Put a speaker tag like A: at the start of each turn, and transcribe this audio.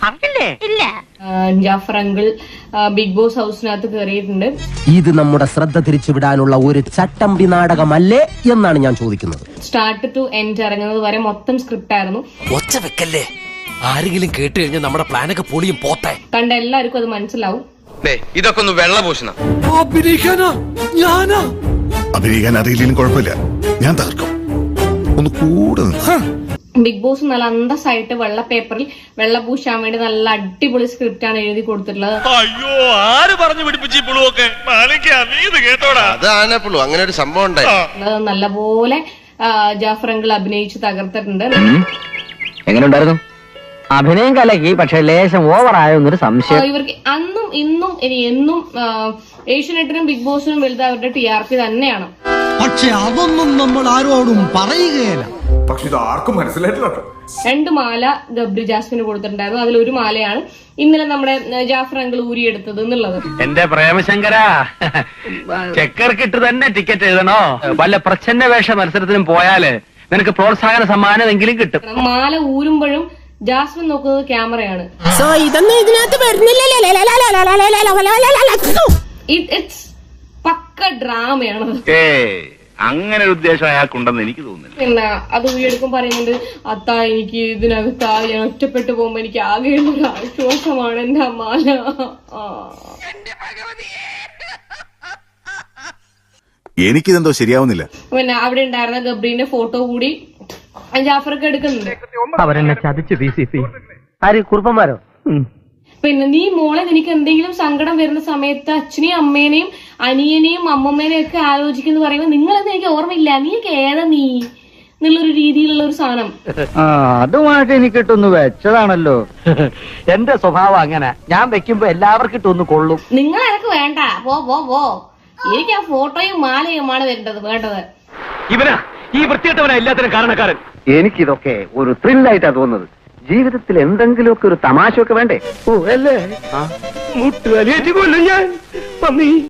A: ഇല്ല.
B: Jafar uncle big boss ഹൗസിനകത്ത് കയറിയിട്ടുണ്ട്.
C: ഇത് നമ്മുടെ ശ്രദ്ധ തിരിച്ചുവിടാനുള്ള ഒരു ചട്ടമ്പി നാടകമല്ലേ എന്നാണ് ഞാൻ ചോദിക്കുന്നത്.
B: സ്റ്റാർട്ട് ടു എൻഡ് ഇറങ്ങുന്നത് വരെ മൊത്തം സ്ക്രിപ്റ്റ് ആയിരുന്നു.
D: ഒച്ച വെക്കല്ലേ, ആരെങ്കിലും കേട്ട് കഴിഞ്ഞാൽ നമ്മുടെ പ്ലാനൊക്കെ പൊളിയും പോട്ടെ.
B: കണ്ട എല്ലാവർക്കും അത് മനസ്സിലാവും.
E: ഇതൊക്കെ ഒന്ന് വെള്ളപൂശണം.
F: അഭിനയിക്കാൻ അറിയില്ലെങ്കിലും കുഴപ്പമില്ല, ഞാൻ തകർക്കും. ഒന്ന് കൂടെ
B: ബിഗ് ബോസ് നല്ല അന്തസ്സായിട്ട് വെള്ള പേപ്പറിൽ വെള്ള പൂശാൻ വേണ്ടി നല്ല അടിപൊളി സ്ക്രിപ്റ്റ് ആണ് എഴുതി കൊടുത്തിട്ടുള്ളത്.
E: അയ്യോ, ആര് പറഞ്ഞു പിടിപ്പിച്ചു പുളുവൊക്കെ? അതാണ് പുളു, അങ്ങനെ ഒരു സംഭവം ഉണ്ടായി.
B: നല്ലപോലെ ജാഫർ അങ്കിൾ അഭിനയിച്ച് തകർത്തിട്ടുണ്ട്.
G: എങ്ങനെ ഉണ്ടായിരുന്നു അഭിനയം? കലക്കി, പക്ഷെ ലേശം ഓവറായൊന്നൊരു സംശയം.
B: ഇവർക്ക് അന്നും ഇന്നും ഇനി എന്നും ഏഷ്യനെറ്റിനും ബിഗ് ബോസിനും വലുത് അവരുടെ TRP തന്നെയാണ്.
H: പക്ഷെ അതൊന്നും നമ്മൾ ആരോടും പറയുകയില്ല.
I: പക്ഷെ ഇത് ആർക്കും മനസ്സിലായിട്ടില്ല.
B: 2 മാല ഗബ്രി ജാസ്മിന് കൊടുത്തിട്ടുണ്ടായിരുന്നു. അതിലൊരു മാലയാണ് ഇന്നലെ നമ്മുടെ ജാഫർ അങ്കിൾ ഊരിയെടുത്തത് എന്നുള്ളത്.
G: എന്റെ പ്രേമശങ്കര, ചെക്കർക്കിട്ട് തന്നെ ടിക്കറ്റ് എഴുതണോ? വല്ല പ്രച്ഛന്ന വേഷ മത്സരത്തിനും പോയാല് നിനക്ക് പ്രോത്സാഹന സമ്മാനമെങ്കിലും കിട്ടും.
B: മാല ഊരുമ്പോഴും ജാസ്മിൻ നോക്കുന്നത് ക്യാമറയാണ്.
A: ഇതൊന്നും ഇതിനകത്ത്
B: ഇറ്റ്സ് പക്ക ഡ്രാമയാണ്.
G: അങ്ങനെ ഒരു ഉദ്ദേശം അയാൾക്കുണ്ടെന്ന് എനിക്ക് തോന്നുന്നില്ല.
B: പിന്നെ അത് ഊരിയെടുക്കും പറയുന്നുണ്ട്, അത്താ എനിക്ക് ഇതിനകത്ത് ഞാൻ ഒറ്റപ്പെട്ടു പോകുമ്പോ എനിക്ക് ആകെയുള്ള ഒരു ആശ്വാസമാണ് എന്റെ മാല.
F: എനിക്കിതെന്തോ ശരിയാവുന്നില്ല.
B: പിന്നെ അവിടെ ഉണ്ടായിരുന്ന ഗബ്രീന്റെ ഫോട്ടോ കൂടി ജാഫർക്ക് എടുക്കുന്നുണ്ട്.
G: അവരെന്നെ ചതിച്ചു PCP. ആര്, കുറുപ്പന്മാരോ?
B: പിന്നെ നീ മോളെ നിനക്ക് എന്തെങ്കിലും സങ്കടം വരുന്ന സമയത്ത് അച്ഛനെയും അമ്മേനെയും അനിയനെയും അമ്മമ്മേനെയും ഒക്കെ ആലോചിക്കുന്നു പറയുമ്പോ നിങ്ങളെന്ന് എനിക്ക് ഓർമ്മയില്ല, നീക്ക് ഏതാ നീ എന്നുള്ളൊരു രീതിയിലുള്ള ഒരു സാധനം.
G: അതുമായിട്ട് എനിക്കിട്ടൊന്ന് വെച്ചതാണല്ലോ. എന്റെ സ്വഭാവം അങ്ങനെ, ഞാൻ വെക്കുമ്പോ എല്ലാവർക്കും ഇട്ടൊന്ന് കൊള്ളും.
B: നിങ്ങൾ എനക്ക് വേണ്ട, പോ എനിക്ക് ആ ഫോട്ടോയും മാലയുമാണ് വേണ്ടത്.
G: ഇവനാ ഈ വൃത്തികെട്ടവനാ എല്ലാത്തിനും കാരണക്കാരൻ. എനിക്കിതൊക്കെ ഒരു ത്രില്ലായിട്ടാ തോന്നുന്നത്. ജീവിതത്തിൽ എന്തെങ്കിലുമൊക്കെ ഒരു തമാശയൊക്കെ വേണ്ടേ? ഓ അല്ലേ, മുട്ടുവലിയേറ്റ് കൊല്ലും ഞാൻ.